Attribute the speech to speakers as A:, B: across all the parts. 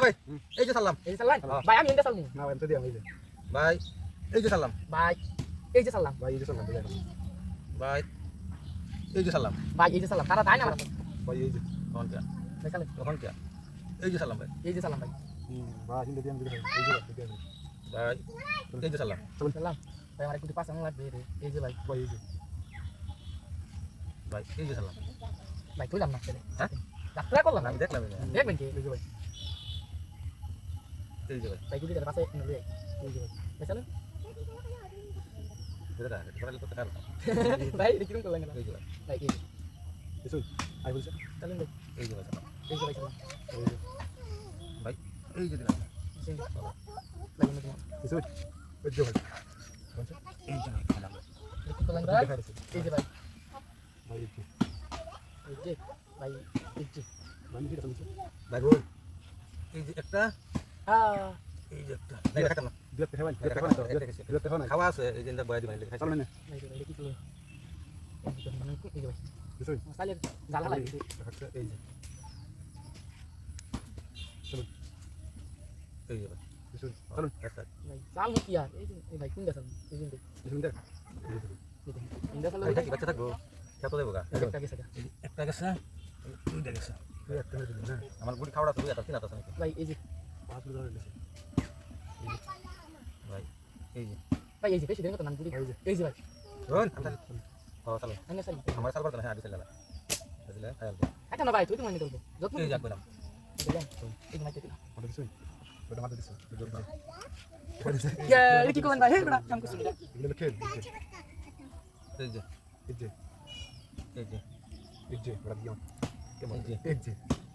A: ভাই এই যে সালাম
B: এই যে সালাম ভাই আমি এন্ডা সালাম
C: না এমতে দিলাম এই যে
A: ভাই এই যে সালাম
B: ভাই এই যে সালাম
C: ভাই এই যে সালাম
A: ভাই এই যে সালাম
B: ভাই এই যে সালাম তারা তাই না আমার
C: ভাই এই যে
A: কখন কে
B: ভাই সালাম
A: কখন কে এই যে সালাম ভাই
B: এই যে সালাম ভাই
C: ভাই হিন্দে দিলাম এই যে
A: ভাই এই যে সালাম
B: সালাম ভাই আমার একটু পাঁচ আঙুল লাগবে রে এই যে ভাই
C: ভাই এই যে
A: ভাই এই যে সালাম
B: ভাই তুই জান না ছেলে
A: হ্যাঁ
B: ডাক্তার করলাম
A: আমি দেখলাম
B: দেখবেন কি
C: এই যে ভাই
A: এই যে ভাই
B: ভাই গুলি করে পাশে নিয়ে লই এই যে ভাই সালাম
A: এটা এটা করতে কার
B: ভাই এটা কিরকম করলেন
A: এই যে ভাই
B: ভাই এই
C: এসো আই বলছে
B: সালাম ভাই
A: এই যে ভাই সালাম
B: এই যে ভাই সালাম
C: এই যে
A: ভাই এই যে দিলাম
B: এই যে ভাই এনে দিলাম
C: এসো এই যে ভাই
A: এই যে ভাই সালাম
B: কি করলেন ভাই এই যে ভাই
C: ভাই এই যে
B: এই যে ভাই এই যে
C: মানে কি বলছে
A: ভাই বল এই যে একটা এই যে একটা নাই রাখা না
C: দুই টাকা ভাই দুই টাকা না
A: খাওয়া আছে এই যে বয়া দিবেন খাই
C: চলো না
B: ভাই এটা কি করলেন এই যে ভাই
C: এসো
B: সালের জাল হালাই
C: এই যে চলো
A: এই যে ভাই
C: এসো চলো
A: একটা
B: ভাই জাল কি আর এই যে এই ভাই কোন দেখান এই যে
C: এসো দেখ
B: ইন্দা সালে
A: এটা কি বাচ্চা থাকবো খেতে দেবো গা
B: একটা গেছে
A: একটা গেছে দুইটা গেছে
C: তুই একটা হয়ে দিলি না
A: আমার গুড়ি খাওয়াটা তুই এত তিন আছে নাকি
B: ভাই এই যে
C: পাঁচ মিনিট ধরে দিছি
A: ভাই এই যে
B: ভাই এই যে বেশি দিন কত নাম গুলি এই যে ভাই
A: রোন ও চলো
B: আমি সালি
A: আমার সালবার তো না আদি চলে বুঝলে খায়াল
B: একটা না ভাই তুই তো মানে দেবো যত
A: এই যাক বললাম
B: দিলাম এই যে মাইতে দিলাম
C: ওটা দিছি ওটা মারতে দিছি
B: এটা কি করবেন ভাই হে বড়া কাম করছিস
C: এগুলো খেল
A: এই যে
C: এই যে
A: এই যে
C: এই যে ওটা দিও কেমন
A: এই যে
C: এই যে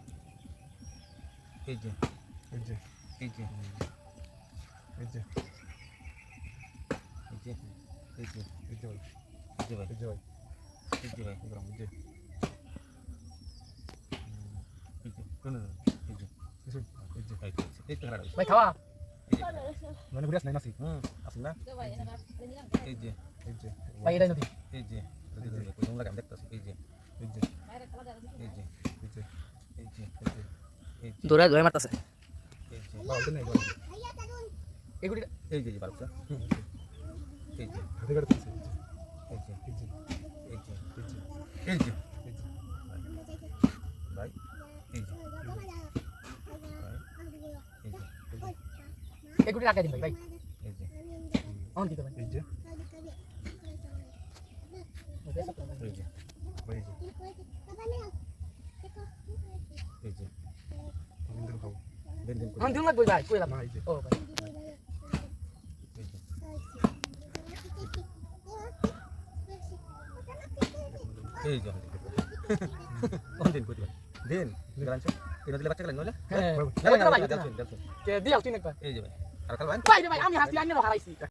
A: এই যে
C: এই যে
A: এই যে
C: এই যে
A: এই যে এই যে
C: এই যে
A: এই যে ভাই
C: এই যে ভাই
A: এই যে ভাই
C: গ্রাম এই যে
A: এই যে কোন এই যে
C: এসো এই যে
A: এই তো হারা
B: ভাই খাওয়া
C: মানে বুড়াস নাই নাসি
A: আসল না এই যে
C: এই যে
B: ভাই এটা নদী
A: এই যে কোন লাগা আমি দেখতাছি এই যে
C: এই যে
A: এই যে
C: এই যে
A: এই যে এই যে
B: দৌড়ায় দৌড়ায় মারতাছে
A: এই যে
C: বাবা ওটা নাই
B: এগুলি
A: এই যে বালকটা এই যে
C: হাতে কাটতে দিছি
A: এই যে
C: এই যে
A: এই যে
C: এই যে
A: এই যে
C: এই যে
A: ভাই এই যে এই যে
B: এগুলি রাখাই দিন ভাই ভাই
A: এই যে
B: অন দিতে ভাই
C: এই যে
A: এই যে
C: ভাই এই যে
A: এই যে
C: দিন খাও
A: দিন দিন
B: অন দিন লাগবে ভাই কইলাম
C: না এই যে
B: ও ভাই
A: এই যে এই যে কোন দিন কই দিন গ্রাঞ্চ এটা দিলে বাচ্চা গেলেন নলে
B: হ্যাঁ
A: এই যে ভাই
B: কে দিয়াল তুই নেক ভাই
A: এই যে ভাই আর কাল ভাই
B: ভাই আমি হাসি আইনে হারাইছি